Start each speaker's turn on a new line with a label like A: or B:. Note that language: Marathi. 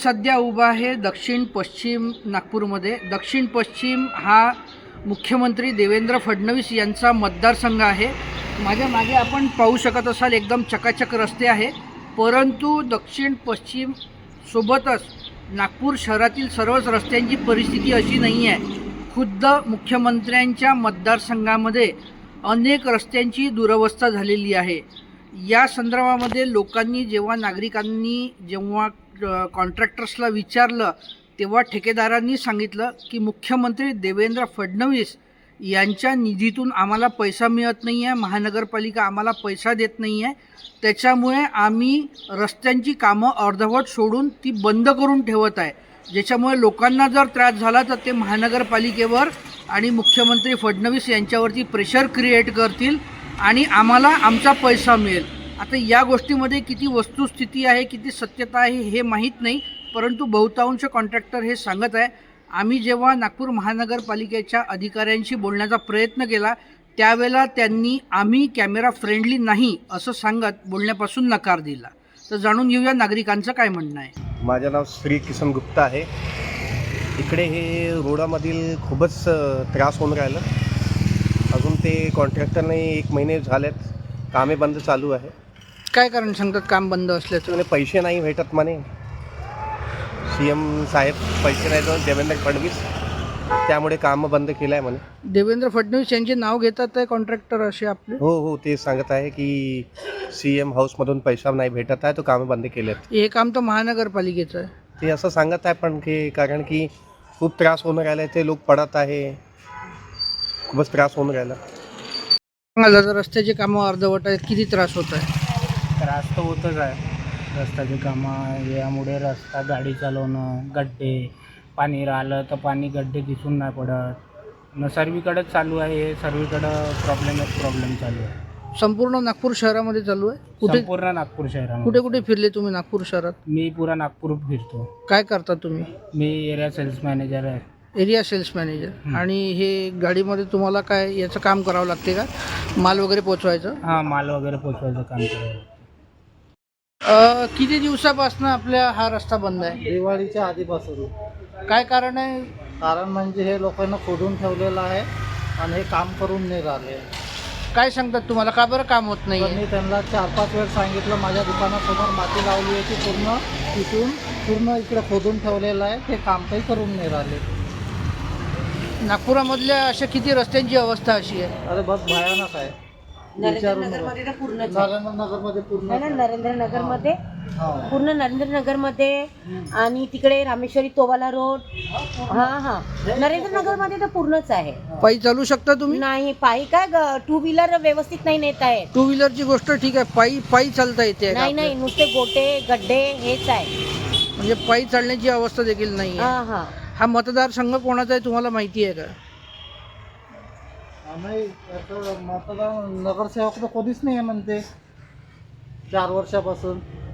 A: सध्या उभा आहे दक्षिण पश्चिम नागपूरमध्ये. दक्षिण पश्चिम हा मुख्यमंत्री देवेंद्र फडणवीस यांचा मतदारसंघ आहे. माझ्या मागे आपण पाहू शकत असाल एकदम चकाचक रस्ते आहे, परंतु दक्षिण पश्चिम सोबतच नागपूर शहरातील सर्वच रस्त्यांची परिस्थिती अशी नाही आहे. खुद्द मुख्यमंत्र्यांच्या मतदारसंघामध्ये अनेक रस्त्यांची दुरवस्था झालेली आहे. या संदर्भामध्ये लोकांनी जेव्हा कॉन्ट्रॅक्टर्सला विचारलं तेव्हा ठेकेदारांनी सांगितलं की मुख्यमंत्री देवेंद्र फडणवीस यांच्या निधीतून आम्हाला पैसा मिळत नाही आहे, महानगरपालिका आम्हाला पैसा देत नाही आहे, त्याच्यामुळे आम्ही रस्त्यांची कामं अर्धवट सोडून ती बंद करून ठेवत आहे. ज्याच्यामुळे लोकांना जर त्रास झाला तर ते महानगरपालिकेवर आणि मुख्यमंत्री फडणवीस यांच्यावरती प्रेशर क्रिएट करतील आणि आम्हाला आमचा पैसा मिळेल. आता या गोष्टीमध्ये किती वस्तुस्थिती आहे, किती सत्यता आहे हे माहीत नाही, परंतु बहुतांश कॉन्ट्रॅक्टर हे सांगत आहे. आम्ही जेव्हा नागपूर महानगरपालिकेच्या अधिकाऱ्यांशी बोलण्याचा प्रयत्न केला त्यावेळेला त्यांनी आम्ही कॅमेरा फ्रेंडली नाही असं सांगत बोलण्यापासून नकार दिला. तर जाणून घेऊया नागरिकांचं काय म्हणणं आहे.
B: माझं नाव श्री किसन गुप्ता आहे. इकडे हे रोडामधील खूपच त्रास होऊन राहिलं. अजून ते कॉन्ट्रॅक्टरने 1 महिने झालेत कामे बंद चालू आहे.
A: काय कारण सांगतात काम बंद असल्याचं?
B: म्हणे पैसे नाही भेटत म्हणे. CM साहेब पैसे नाही देऊन देवेंद्र फडणवीस, त्यामुळे कामं बंद केलं आहे म्हणे.
A: देवेंद्र फडणवीस यांचे नाव घेतात आहे कॉन्ट्रॅक्टर असे आपले?
B: हो, ते सांगत आहे की CM हाऊसमधून पैसा नाही भेटत आहे, तो कामं बंद केले आहेत.
A: हे काम तर महानगरपालिकेचं आहे.
B: ते असं सांगत आहे, पण की कारण की खूप त्रास होऊन राहिला आहे, ते लोक पडत आहे, खूपच त्रास होऊन राहिला.
A: जर रस्त्याची कामं अर्धवट आहेत, किती त्रास होत आहे?
C: त्रास तर होतच आहे. रस्त्याची कामं यामुळे रस्ता गाडी चालवणं, गड्डे, पाणी राहिलं तर पाणी गड्डे दिसून नाही पडत. सर्वीकडेच चालू आहे हे, सर्वीकडं प्रॉब्लेम चालू आहे.
A: संपूर्ण नागपूर शहरामध्ये चालू आहे? कुठे
C: संपूर्ण नागपूर शहरामध्ये.
A: कुठे कुठे फिरले तुम्ही नागपूर शहरात?
C: मी पुरा नागपूर फिरतो.
A: काय करता तुम्ही?
C: मी एरिया सेल्स मॅनेजर आहे.
A: Area sales manager. आणि हे गाडीमध्ये तुम्हाला काय याचं काम करावं लागते का, माल वगैरे पोचवायचं?
C: हां, माल वगैरे पोचवायचं काम करावं.
A: किती दिवसापासून आपल्या हा रस्ता बंद आहे?
D: दिवाळीच्या आधीपासून.
A: काय कारण आहे?
D: कारण म्हणजे हे लोकांना खोदून ठेवलेलं आहे आणि हे काम करून नाही राहिले.
A: काय सांगतात तुम्हाला, का बरं काम होत नाही?
D: मी त्यांना 4-5 वेळ सांगितलं, माझ्या दुकानासमोर माती लावली आहे की पूर्ण इकडे खोदून ठेवलेलं आहे, ते काम काही करून नाही राहिले.
A: नागपुरामधल्या अशा किती रस्त्यांची अवस्था अशी आहे?
D: अरे बस भयानक आहे.
E: नरेंद्रनगरमध्ये तर पूर्णच आहे.
D: नरेंद्रनगरमध्ये पूर्ण
E: नाही ना, नरेंद्रनगरमध्ये
D: हा.
E: पूर्ण नरेंद्रनगरमध्ये आणि तिकडे रामेश्वरी तोवाला रोड. हा नरेंद्रनगरमध्ये तर पूर्णच आहे.
A: पायी चालू शकता तुम्ही?
E: नाही, पायी काय, 2 व्हीलर व्यवस्थित नाही नेत आहेत.
A: 2 व्हीलरची गोष्ट ठीक आहे, पायी चालता येते का?
E: नाही, नुसते गोटे गड्डे हेच आहे.
A: म्हणजे पायी चालण्याची अवस्था देखील नाही आहे.
E: हा
A: हा मतदारसंघ कोणाचा आहे तुम्हाला माहिती आहे का?
D: नाही, याचं मतदान नगरसेवक तर कोणीच नाही आहे म्हणते 4 वर्षापासून.